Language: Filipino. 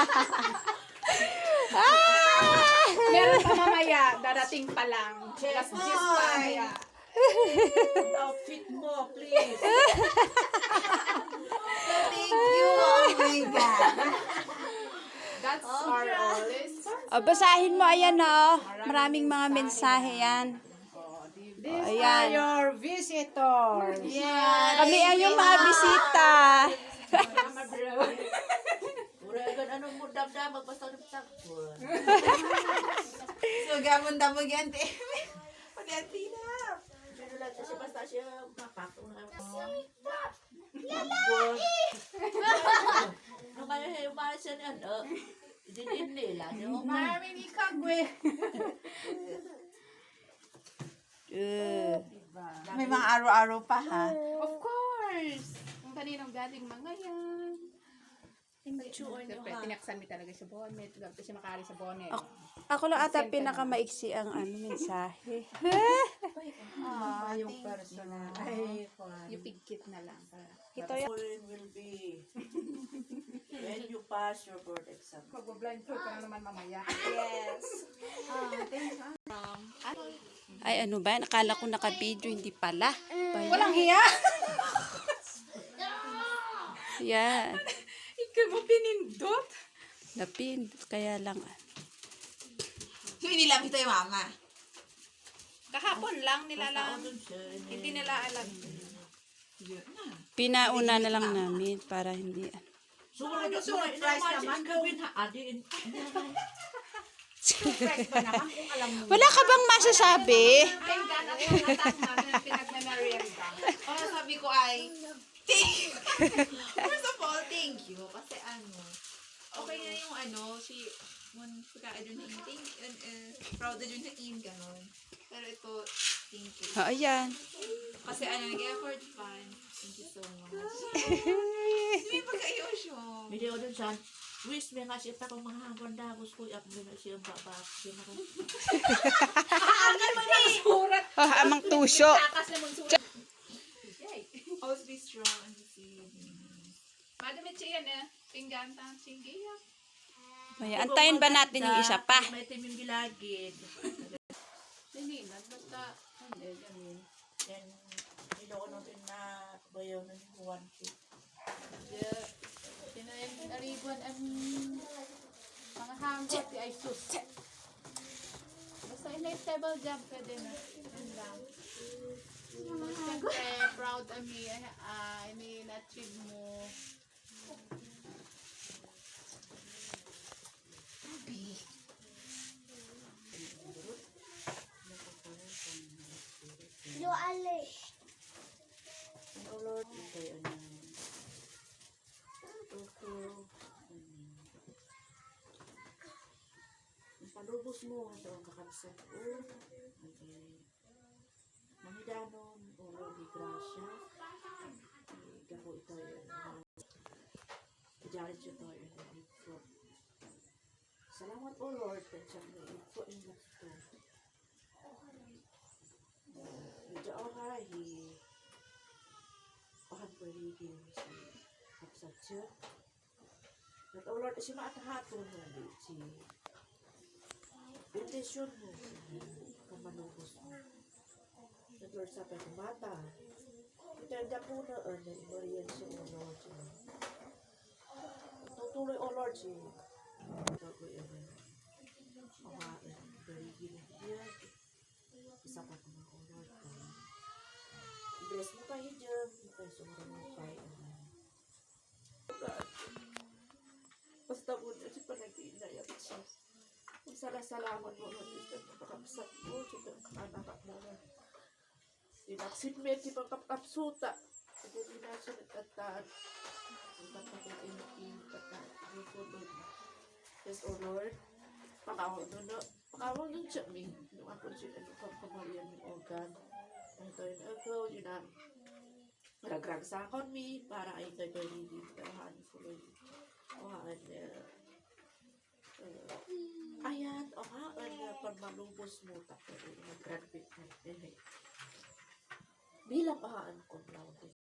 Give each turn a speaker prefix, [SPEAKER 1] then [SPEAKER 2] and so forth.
[SPEAKER 1] Meron pa mamaya, darating pa lang. Last gist pa kaya.
[SPEAKER 2] Outfit mo, please.
[SPEAKER 3] Thank you. Oh my God.
[SPEAKER 1] That's our all.
[SPEAKER 4] O, basahin mo, ayan o. Maraming mga mensahe yan.
[SPEAKER 1] These
[SPEAKER 4] Ayan.
[SPEAKER 1] are your visitors.
[SPEAKER 3] Yeah.
[SPEAKER 4] Kami ang yung mga bisita.
[SPEAKER 1] Mama bro.
[SPEAKER 2] Uragan, anong mo damdam, basta nagtagpon.
[SPEAKER 3] So, gamon damog yan. Pag-anti na.
[SPEAKER 2] Sino lang kasi basta siya mapakong na. Nung kaya yung mahal siya niyan, din nila.
[SPEAKER 1] Maraming ikagwe.
[SPEAKER 3] May mga araw-araw pa, ha?
[SPEAKER 1] Of course. Kung kaninong galing mga yan. Siyempre, tinaksan mi talaga sa bonnet. Gawin siya makari sa bonnet.
[SPEAKER 4] Ako lang ata pinakamaiksi ang mensahe.
[SPEAKER 3] Yung personal.
[SPEAKER 2] Ay, kwan.
[SPEAKER 1] Yung pigkit na lang.
[SPEAKER 4] Ito yan.
[SPEAKER 2] Foreign will be when you pass your board exam.
[SPEAKER 1] Mag-blindfold ka na naman mamaya.
[SPEAKER 3] Yes.
[SPEAKER 4] Ay, ano ba? Nakala ko naka-video, hindi pala.
[SPEAKER 1] Walang hiya.
[SPEAKER 4] Yan.
[SPEAKER 1] Ikaw mo pinindot.
[SPEAKER 4] Napin. Kaya lang.
[SPEAKER 3] So, inilam ito yung mama.
[SPEAKER 1] Kahapon lang nilalang.
[SPEAKER 2] Doon siya.
[SPEAKER 1] Hindi nila alam.
[SPEAKER 4] Pinauna na lang namin para hindi.
[SPEAKER 3] Surprise naman.
[SPEAKER 2] Gawin ha, adin.
[SPEAKER 1] Surprise pa naman kung alam mo.
[SPEAKER 4] Wala ka bang masasabi?
[SPEAKER 1] Thank God ako yung attack namin na pinagmemorienda.
[SPEAKER 3] Oh, sabi ko ay, thank you. First of all, thank you. Kasi okay na yung si mun pagka adun na thank proud na dun sa ganon. Pero ito, thank you.
[SPEAKER 4] Oh, ayan.
[SPEAKER 3] Kasi nag-effort pa. Thank you so much. May pagka-ayosyo.
[SPEAKER 2] Hindi ko dun siya. Wish may nga siya pa kung mga hanggang dagos ko. Iap mo na siya babak. Siya na kung...
[SPEAKER 1] Surat.
[SPEAKER 4] Amang tusyo.
[SPEAKER 1] Takas na mong surat.
[SPEAKER 3] Always be strong and deceiving.
[SPEAKER 1] Madamit siya yan Pinggan ta. Sige ya.
[SPEAKER 4] May antayin ba natin yung isa pa?
[SPEAKER 2] May team yung gilagid.
[SPEAKER 1] Hindi na. Basta. Hindi. Ganun.
[SPEAKER 2] Then, inoon na bayaw na ni Juan Q.
[SPEAKER 1] Tinaribuan ang mga hanggot ay sus. Basta in-stable job pwede na. Yun lang. Siyempre, proud kami. Na-achieve mo.
[SPEAKER 2] Oh Lord, ikay palubos mo ito ang kakabsat ko. Mangidanon o di grasya. Gapo ito yun. Ijarit siya ito yun. Salamat o Lord. Tansyak na ito yung lakto. Medyo okay. Pahan ko rin si kapsat siya. At o Lord, si maatahaton mo si intention mo kung manubos mo. At Lord, sa pagkumata, itanda po na imoriyan siya o Lord siya. Tutuloy o Lord siya. Ito ko yun. Makain. Barigin niya. Isa pa ko na o Lord ko. Bless mo kayo dyan. Ito sumara mo kayo. Basta mo na siya panag-iinayat siya. Salamat mo na dito sa pagkakasat mo. Dito ang anak mo na. Dinaksinmet si pagkakapsuta. Hindi na siya nagtataan. Ang pagkakainukin. Pagkakainukin. Yes, O Lord. Pakawag nun na. Pakawag nun siya. Nung ako siya. Ano kang pamalian ng organ. Ito yun ako. Yun na. Ragrag sa akon mi. Para ay nagawin din. Karahan ko. Ayan, pag malubos mo, tapos mag-graduate na. Bilang ahaan ko lang.